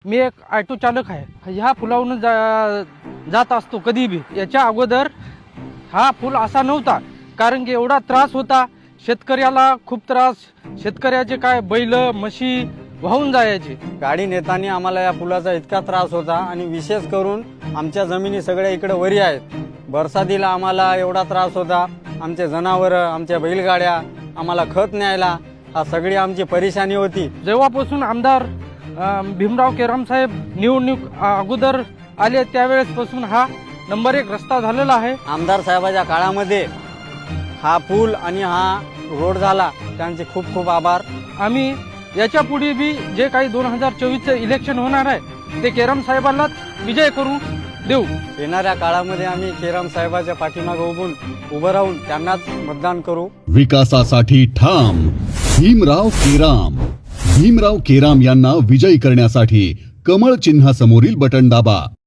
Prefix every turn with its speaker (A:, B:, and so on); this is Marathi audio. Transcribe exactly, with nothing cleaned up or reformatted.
A: मी एक ऑटो चालक आहे. ह्या पुलावरून जा जात असतो कधी बी. याच्या अगोदर हा पूल असा नव्हता, कारण की एवढा त्रास होता शेतकऱ्याला, खूप त्रास. शेतकऱ्याचे काय बैल म्हशी वाहून जायचे.
B: गाडी नेताना आम्हाला या पुलाचा इतका त्रास होता आणि विशेष करून आमच्या जमिनी सगळ्या इकडे वरी आहेत. बरसातीला आम्हाला एवढा त्रास होता. आमचे जनावरं, आमच्या बैलगाड्या, आम्हाला खत न्यायला, हा सगळी आमची परेशानी होती.
A: जेव्हापासून आमदार भीमराव केराम साहेब निवडणूक अगोदर आले त्यावेळेसपासून हा नंबर एक रस्ता झालेला आहे.
B: आमदार साहेबाच्या काळामध्ये हा पूल आणि हा रोड झाला, त्यांचे खूप खूप आभार.
A: आम्ही याच्या पुढे बी जे काही दोन हजार चोवीसचं इलेक्शन होणार आहे ते केराम साहेबांनाच विजय करू देऊ.
B: येणाऱ्या काळामध्ये आम्ही केराम साहेबाच्या पाठीमागे उभून उभं राहून त्यांनाच मतदान करू.
C: विकासासाठी ठाम भीमराव केराम. भीमराव केराम यांना विजयी करण्यासाठी कमळ चिन्हासमोरील बटन दाबा.